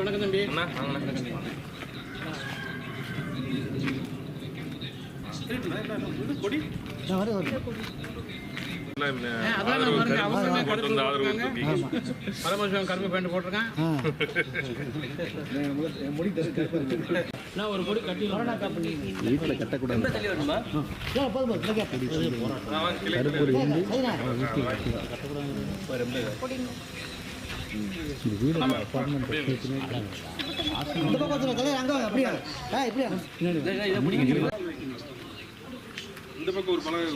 வணக்கம் தம்பி. கொடி கரும்பு பேண்ட் போட்டிருக்கேன். ஒரு கொடி கட்டி வீட்டில் கட்டக்கூடாது. இந்த பக்கம் ஒரு பலகை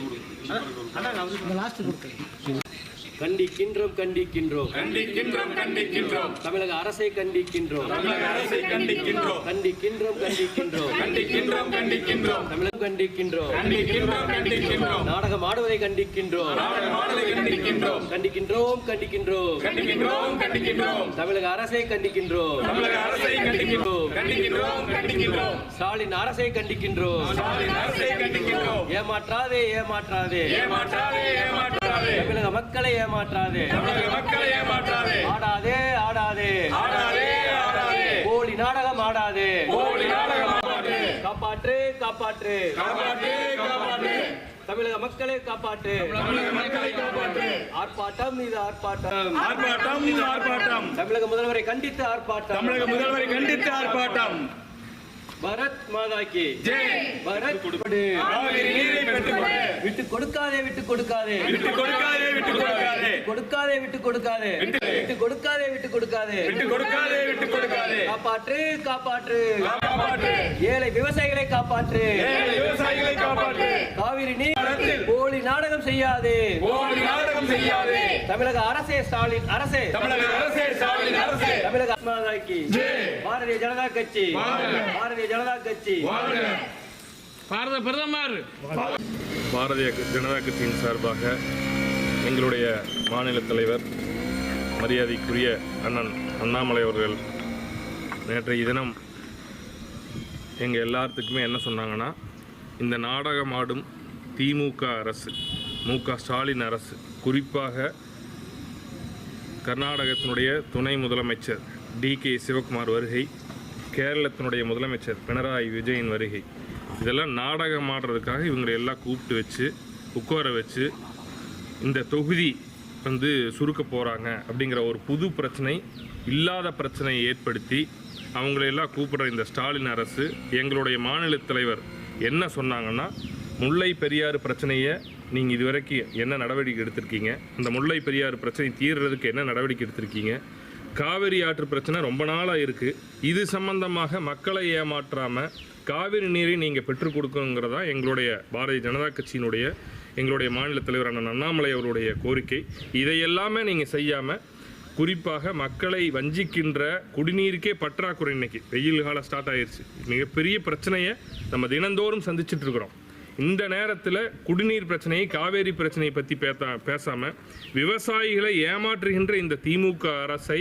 கண்டிக்கின்றோம் கண்டிக்கின்றோம் கண்டிக்கின்றோம் கண்டிக்கின்றோம் தமிழக அரசை கண்டிக்கின்றோம் தமிழக அரசை கண்டிக்கின்றோம் கண்டிக்கின்றோம் கண்டிக்கின்றோம் கண்டிக்கின்றோம் கண்டிக்கின்றோம் தமிழகம் கண்டிக்கின்றோம் கண்டிக்கின்றோம் கண்டிக்கின்றோம் நாடகம் ஆடுவதை கண்டிக்கின்றோம் நாடகம் ஆடுவதை கண்டிக்கின்றோம் கண்டிக்கின்றோம் கண்டிக்கின்றோம் கண்டிக்கின்றோம் கண்டிக்கின்றோம் தமிழக அரசை கண்டிக்கின்றோம் தமிழக அரசை கண்டிக்கின்றோம் கண்டிக்கின்றோம் கண்டிக்கின்றோம் ஸ்டாலின் அரசை கண்டிக்கின்றோம் ஸ்டாலின் அரசை கண்டிக்கின்றோம் ஏமாற்றாதே ஏமாற்றாதே ஏமாற்றாதே ஏமாற்றாதே தமிழக மக்களை ஏமாற்றாதே தமிழக மக்களை ஏமாற்றாதே ஆடாதே ஆடாதே ஆடாதே ஆடாதே போலி நாடகம் ஆடாதே போலி நாடகம் ஆடாதே காப்பாற்று காப்பாற்று காப்பாற்று காப்பாற்று தமிழக மக்களை காப்பாற்று தமிழக மக்களை காப்பாற்று ஆர்ப்பாட்டம் இது ஆர்ப்பாட்டம் ஆர்ப்பாட்டம் ஆர்ப்பாட்டம் தமிழக முதல்வரை கண்டித்து ஆர்ப்பாட்டம் தமிழக முதல்வரை கண்டித்து ஆர்ப்பாட்டம் பாரத் மாதா கி ஜெய் பாரத் காவிரி நீரை பெற்றுக்கொடு விட்டு கொடுக்காதே விட்டு கொடுக்காதே விட்டு கொடுக்காதே விட்டு கொடுக்காதே கொடுக்காதே விட்டு கொடுக்காதே விட்டு கொடுக்காதே விட்டு கொடுக்காதே விட்டு கொடுக்காதே விட்டு கொடுக்காதே காப்பாற்று காப்பாற்று காப்பாற்று ஏழை விவசாயிகளை காப்பாற்று ஏழை விவசாயிகளை காப்பாற்று காவிரி நீர் போலி நாடகம் செய்யாதே போலி நாடகம் செய்யாதே தமிழக அரசே ஸ்டாலின் அரசே தமிழக அரசே ஸ்டாலின் அரசே தமிழக மாதா கி ஜெய் பாரதிய ஜனதா கட்சி பாரதிய ஜனதா கட்சி பாரத பிரதமர் பாரதிய ஜனதா கட்சியின் சார்பாக எங்களுடைய மாநில தலைவர் மரியாதைக்குரிய அண்ணன் அண்ணாமலை அவர்கள் நேற்றைய தினம் எங்கள் எல்லாத்துக்குமே என்ன சொன்னாங்கன்னா, இந்த நாடகமாடும் திமுக அரசு, மு.க. ஸ்டாலின் அரசு, குறிப்பாக கர்நாடகத்தினுடைய துணை முதலமைச்சர் டி.கே. சிவகுமார் வருகை, கேரளத்தினுடைய முதலமைச்சர் பினராயி விஜயன் வருகை, இதெல்லாம் நாடகம் ஆடுறதுக்காக இவங்களை எல்லாம் கூப்பிட்டு வச்சு உட்கார வச்சு இந்த தொகுதி சுருக்க போகிறாங்க அப்படிங்கிற ஒரு புது பிரச்சனை, இல்லாத பிரச்சனையை ஏற்படுத்தி அவங்களையெல்லாம் கூப்பிடுற இந்த ஸ்டாலின் அரசு, எங்களுடைய மாநில தலைவர் என்ன சொன்னாங்கன்னா, முல்லை பெரியாறு பிரச்சனையை நீங்கள் இதுவரைக்கும் என்ன நடவடிக்கை எடுத்திருக்கீங்க, அந்த முல்லை பெரியாறு பிரச்சனை தீர்றதுக்கு என்ன நடவடிக்கை எடுத்திருக்கீங்க, காவிரி ஆற்று பிரச்சனை ரொம்ப நாளாக இருக்குது, இது சம்பந்தமாக மக்களை ஏமாற்றாமல் காவிரி நீரை நீங்கள் பெற்றுக் கொடுக்கணுங்கிறதா எங்களுடைய பாரதிய ஜனதா கட்சியினுடைய எங்களுடைய மாநில தலைவர் அண்ணன் அண்ணாமலை அவருடைய கோரிக்கை. இதையெல்லாமே நீங்கள் செய்யாமல் குறிப்பாக மக்களை வஞ்சிக்கின்ற குடிநீருக்கே பற்றாக்குறை, இன்னைக்கு வெயில் காலம் ஸ்டார்ட் ஆயிடுச்சு, மிகப்பெரிய பிரச்சனையை நம்ம தினந்தோறும் சந்திச்சுட்டு இருக்கிறோம். இந்த நேரத்தில் குடிநீர் பிரச்சனையை, காவேரி பிரச்சனையை பற்றி பேசாமல் விவசாயிகளை ஏமாற்றுகின்ற இந்த திமுக அரசை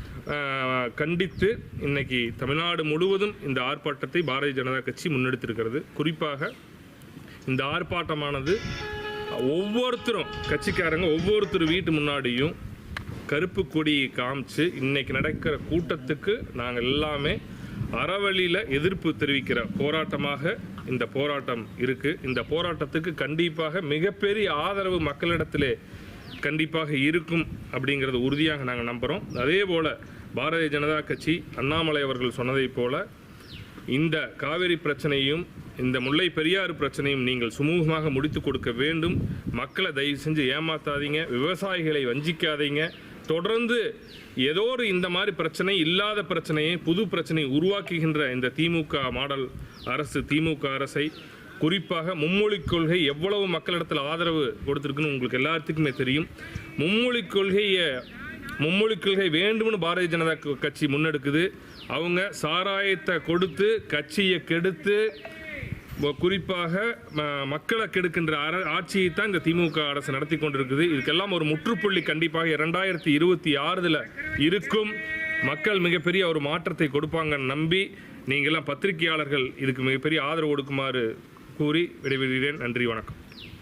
கண்டித்து இன்னைக்கு தமிழ்நாடு முழுவதும் இந்த ஆர்ப்பாட்டத்தை பாரதிய ஜனதா கட்சி முன்னெடுத்திருக்கிறது. குறிப்பாக இந்த ஆர்ப்பாட்டமானது ஒவ்வொருத்தரும் கட்சிக்காரங்க ஒவ்வொருத்தர் வீட்டு முன்னாடியும் கருப்பு கொடியை காமிச்சு இன்னைக்கு நடக்கிற கூட்டத்துக்கு நாங்கள் எல்லாமே அறவழியில் எதிர்ப்பு தெரிவிக்கிற போராட்டமாக இந்த போராட்டம் இருக்குது. இந்த போராட்டத்துக்கு கண்டிப்பாக மிகப்பெரிய ஆதரவு மக்களிடத்திலே கண்டிப்பாக இருக்கும் அப்படிங்கிறது உறுதியாக நாங்கள் நம்புகிறோம். அதே போல் பாரதிய ஜனதா கட்சி அண்ணாமலை அவர்கள் சொன்னதைப் போல் இந்த காவிரி பிரச்சனையும் இந்த முல்லை பெரியாறு பிரச்சனையும் நீங்கள் சுமூகமாக முடித்து கொடுக்க வேண்டும். மக்களை தயவு செஞ்சு ஏமாத்தாதீங்க, விவசாயிகளை வஞ்சிக்காதீங்க. தொடர்ந்து ஏதோ ஒரு இந்த மாதிரி பிரச்சனை, இல்லாத பிரச்சனையை புது பிரச்சனையை உருவாக்குகின்ற இந்த திமுக மாடல் அரசு, திமுக அரசை, குறிப்பாக மும்மொழிக் கொள்கை எவ்வளவு மக்களிடத்தில் ஆதரவு கொடுத்துருக்குன்னு உங்களுக்கு எல்லாத்துக்குமே தெரியும். மும்மொழிக் கொள்கை வேண்டும்னு பாரதிய ஜனதா கட்சி முன்னெடுக்குது. அவங்க சாராயத்தை கொடுத்து கட்சியை கெடுத்து குறிப்பாக மக்களை கெடுக்கின்ற ஆட்சியை தான் இந்த திமுக அரசு நடத்தி கொண்டிருக்குது. இதுக்கெல்லாம் ஒரு முற்றுப்புள்ளி கண்டிப்பாக 2026 இருக்கும். மக்கள் மிகப்பெரிய ஒரு மாற்றத்தை கொடுப்பாங்கன்னு நம்பி நீங்கள்லாம் பத்திரிகையாளர்கள் இதுக்கு மிகப்பெரிய ஆதரவு கொடுக்குமாறு கூறி விடைபெறுகிறேன். நன்றி, வணக்கம்.